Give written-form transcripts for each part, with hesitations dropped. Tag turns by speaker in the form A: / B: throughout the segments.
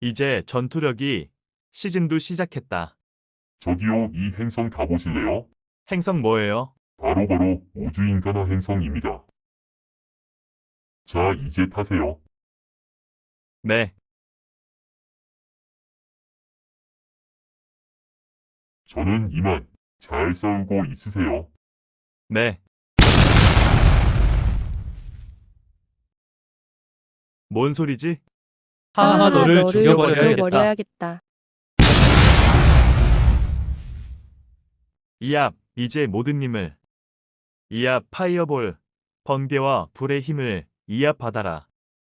A: 이제 전투력이 시즌도 시작했다.
B: 저기요, 이 행성 가보실래요?
A: 행성 뭐예요?
B: 바로바로 우주인간화 행성입니다. 자, 이제 타세요.
A: 네,
B: 저는 이만. 잘 싸우고 있으세요.
A: 네. 뭔 소리지?
C: 하하, 너를
D: 죽여버려야겠다.
C: 죽여버려야겠다.
A: 이압, 이제 모든 힘을. 이압 파이어볼, 번개와 불의 힘을 이압 받아라.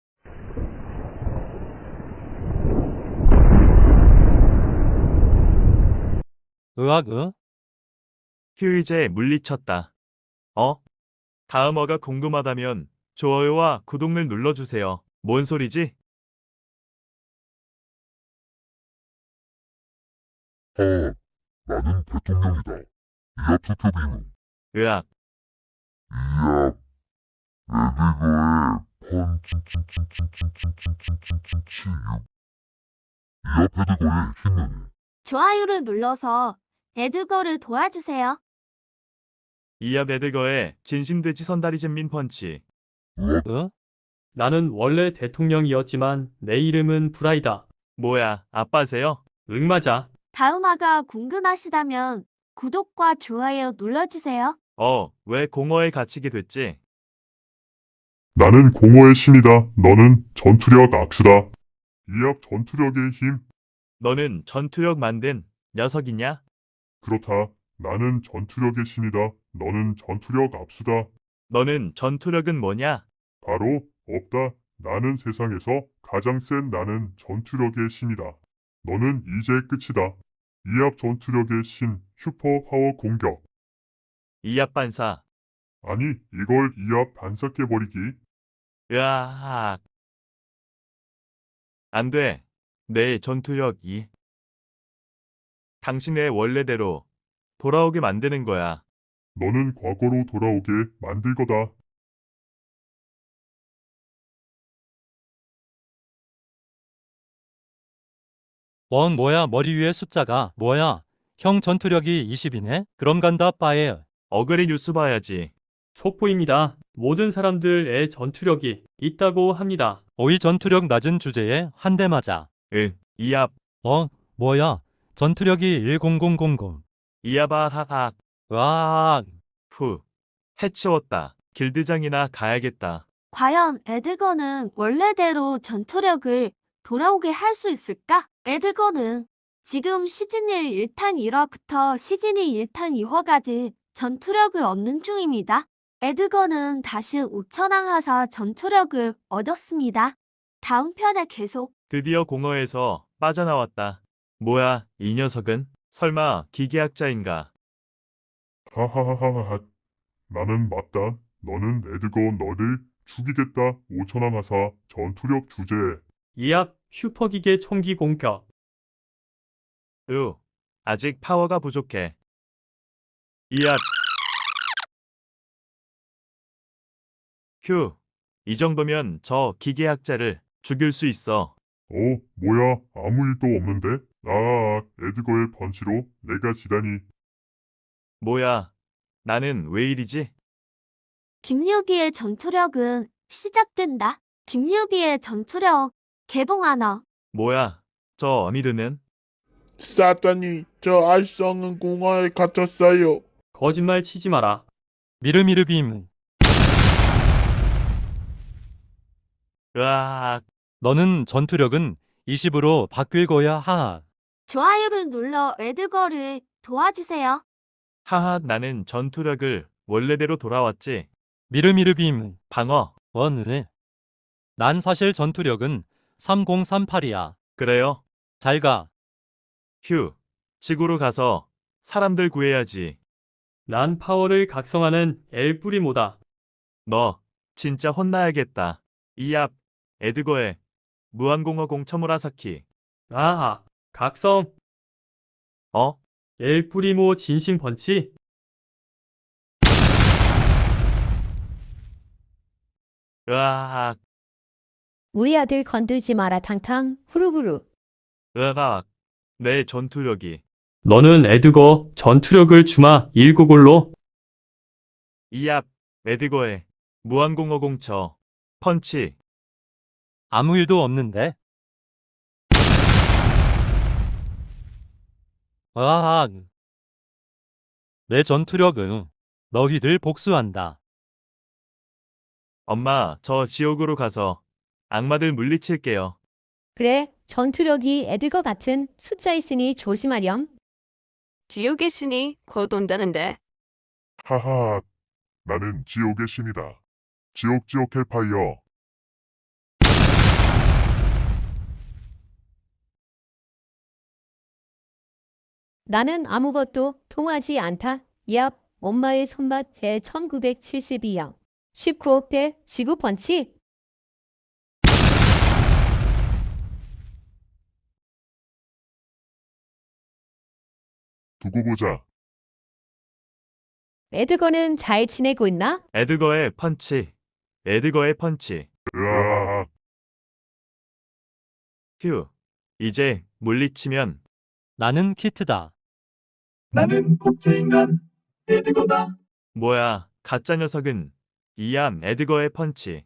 A: 휴 이제 물리쳤다. 다음어가 궁금하다면 좋아요와 구독을 눌러주세요. 뭔 소리지?
B: 나는 대통령이다. 이압 투표비는
A: 으악,
B: 이압 레디거의 펀칭칭칭칭칭칭칭칭칭칭 이압 헤드거의 힘은
E: 좋아요를 눌러서 에드거를 도와주세요.
A: 이압 에드거의 진심돼지 선다리잼민 펀치.
D: 나는 원래 대통령이었지만 내 이름은 브라이다.
A: 뭐야, 아빠세요?
D: 응, 맞아.
E: 다음화가 궁금하시다면 구독과 좋아요 눌러주세요.
A: 왜 공허에 갇히게 됐지?
B: 나는 공허의 신이다. 너는 전투력 악수다. 이압 전투력의 힘.
A: 너는 전투력 만든 녀석이냐?
B: 그렇다. 나는 전투력의 신이다. 너는 전투력 압수다.
A: 너는 전투력은 뭐냐?
B: 바로 없다. 나는 세상에서 가장 센 나는 전투력의 신이다. 너는 이제 끝이다. 이압 전투력의 신 슈퍼 파워 공격.
A: 이압 반사.
B: 아니 이걸 이압 반삭해버리기.
A: 으악. 안 돼. 내 전투력 2. 당신의 원래대로 돌아오게 만드는 거야.
B: 너는 과거로 돌아오게 만들 거다.
F: 뭐야 머리 위에 숫자가 뭐야? 형 전투력이 20이네? 그럼 간다 빠에.
A: 어그리 뉴스 봐야지.
D: 속보입니다. 모든 사람들의 전투력이 있다고 합니다.
F: 오이 전투력 낮은 주제에 한 대 맞아.
A: 이압.
F: 뭐야? 전투력이 10000.
A: 이압아 하악.
F: 으악.
A: 후. 해치웠다. 길드장이나 가야겠다.
E: 과연 에드거는 원래대로 전투력을 돌아오게 할 수 있을까? 에드거는 지금 시즌1 1탄 1화부터 시즌2 1탄 2화까지 전투력을 얻는 중입니다. 에드거는 다시 5천왕 하사 전투력을 얻었습니다. 다음 편에 계속.
A: 드디어 공허에서 빠져나왔다. 뭐야, 이 녀석은? 설마 기계학자인가?
B: 하하하하하. 나는 맞다. 너는 에드거 너를 죽이겠다. 5천왕 하사 전투력 주제.
D: 이압 슈퍼기계 총기 공격.
A: 아직 파워가 부족해. 이압. 휴. 이 정도면 저 기계학자를 죽일 수 있어.
B: 뭐야 아무 일도 없는데? 에드거의 펀치로 내가 지다니.
A: 뭐야, 나는 왜 이리지?
E: 김유비의 전투력은 시작된다. 김유비의 전투력 개봉하나.
A: 뭐야, 저 어미르는?
G: 사단이 저 알성은 공허에 갇혔어요.
D: 거짓말 치지 마라.
F: 미르미르빔.
A: 으악.
F: 너는 전투력은 20으로 바뀔 거야 하하.
E: 좋아요를 눌러 에드거를 도와주세요.
A: 하하, 나는 전투력을 원래대로 돌아왔지.
F: 미르미르빔.
A: 방어.
F: 원을. 난 사실 전투력은 3038이야.
A: 그래요?
F: 잘 가.
A: 휴. 지구로 가서 사람들 구해야지.
D: 난 파워를 각성하는 엘뿌리모다.
A: 너 진짜 혼나야겠다. 이압. 에드거의 무한공허 공처무라사키.
D: 각성.
A: 어?
D: 엘뿌리모 진심 펀치.
A: 으악.
C: 우리 아들 건들지 마라 탕탕 후루부루.
A: 으악, 내 전투력이.
D: 너는 에드거 전투력을 주마 19골로.
A: 이압, 에드거의 무한공허공처, 펀치.
F: 아무 일도 없는데. 으악. 내 전투력은 너희들 복수한다.
A: 엄마, 저 지옥으로 가서 악마들 물리칠게요.
H: 그래, 전투력이 에드거 같은 숫자 있으니 조심하렴.
I: 지옥의 신이 곧 온다는데.
B: 하하, 나는 지옥의 신이다. 지옥 헬파이어.
H: 나는 아무것도 통하지 않다. 얍, 엄마의 손맛 제1972형. 19회 지구 펀치.
B: 두고 보자.
H: 에드거는 잘 지내고 있나?
A: 에드거의 펀치. 에드거의 펀치.
B: 으악.
A: 휴. 이제 물리치면
F: 나는 키트다.
A: 나는 복제인간 에드거다. 뭐야, 가짜 녀석은 이암 에드거의 펀치.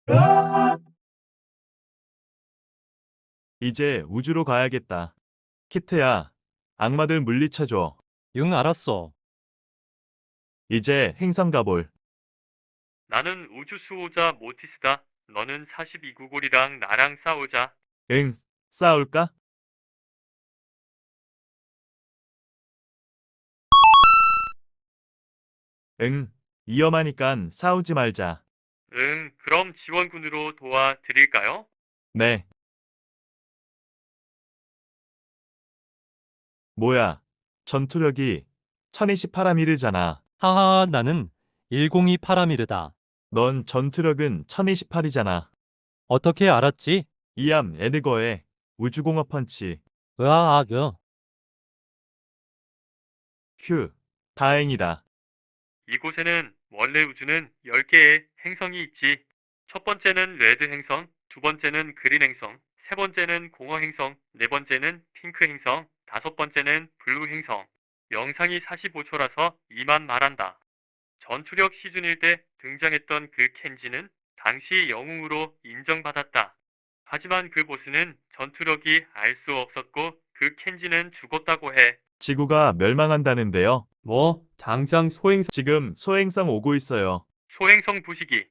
A: 이제 우주로 가야겠다. 키트야, 악마들 물리쳐줘.
F: 응, 알았어.
A: 이제 행성 가볼.
D: 나는 우주 수호자 모티스다. 너는 42구골이랑 나랑 싸우자.
A: 응, 싸울까? 응, 위험하니깐 싸우지 말자.
D: 응, 그럼 지원군으로 도와드릴까요?
A: 네. 뭐야, 전투력이 1028아미르잖아.
F: 하하, 나는 102 파라미르다.
A: 넌 전투력은 1028이잖아.
F: 어떻게 알았지?
A: 이암 에드거의 우주공업 펀치.
F: 으악.
A: 휴, 다행이다.
D: 이곳에는 원래 우주는 10개의 행성이 있지. 첫 번째는 레드 행성, 두 번째는 그린 행성, 세 번째는 공허 행성, 네 번째는 핑크 행성, 다섯 번째는 블루 행성. 영상이 45초라서 이만 말한다. 전투력 시즌일 때 등장했던 그 켄지는 당시 영웅으로 인정받았다. 하지만 그 보스는 전투력이 알 수 없었고 그 켄지는 죽었다고 해.
A: 지구가 멸망한다는데요.
D: 뭐, 당장 소행성.
A: 지금 소행성 오고 있어요.
D: 소행성 부시기.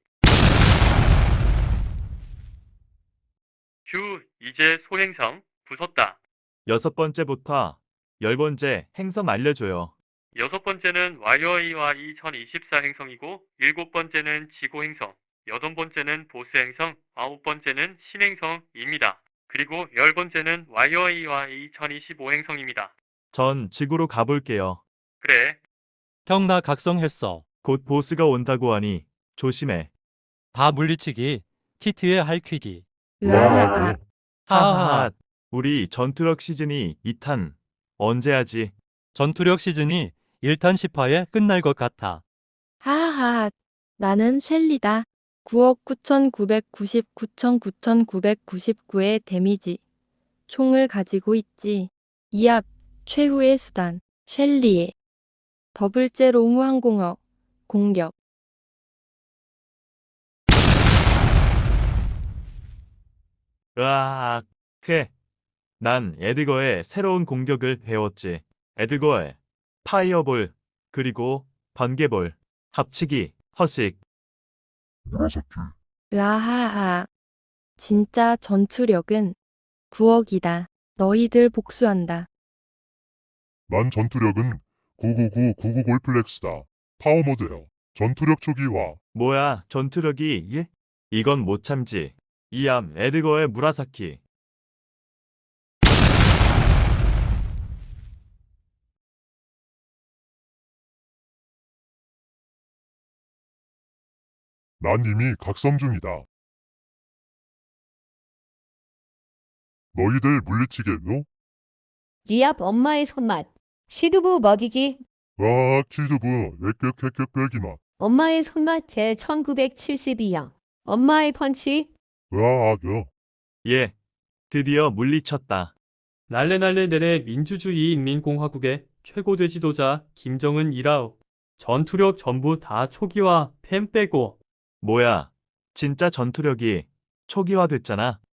D: 휴, 이제 소행성 부쉈다.
A: 6번째부터 10번째 행성 알려줘요.
D: 여섯 번째는 YOE와 2024 행성이고, 일곱 번째는 지구 행성, 여덟 번째는 보스 행성, 아홉 번째는 신행성입니다. 그리고 열 번째는 YOE와 2025 행성입니다.
A: 전 지구로 가볼게요.
D: 그래,
F: 형, 나 각성했어.
A: 곧 보스가 온다고 하니 조심해.
F: 다 물리치기. 키트의 할퀴기.
C: 으아아.
F: 하하하.
A: 우리 전투력 시즌이 2탄 언제 하지?
F: 전투력 시즌이 1탄 10화에 끝날 것 같아.
C: 하하하. 나는 셸리다. 9억 9,999,999의 데미지. 총을 가지고 있지. 이압, 최후의 수단. 셸리의 더블제 로무 항공어. 공격.
A: 으악, 난 에드거의 새로운 공격을 배웠지. 에드거의 파이어볼, 그리고 번개볼, 합치기, 허식.
B: 무라사키.
C: 으아하하. 진짜 전투력은 9억이다. 너희들 복수한다.
B: 난 전투력은 999 골플렉스다. 파워 모드요. 전투력 초기화.
A: 뭐야, 전투력이 예? 이건 못 참지. 이암 에드거의 무라사키.
B: 난 이미 각성 중이다. 너희들 물리치겠노?
H: 리압 엄마의 손맛. 시두부 먹이기.
B: 와, 키드부, 액격기마.
H: 엄마의 손맛 제1972형. 엄마의 펀치.
B: 와,
A: 예, 드디어 물리쳤다.
D: 날래날래 내래 민주주의 인민공화국의 최고대 지도자 김정은이라우. 전투력 전부 다 초기화, 펜 빼고.
A: 뭐야, 진짜 전투력이 초기화됐잖아.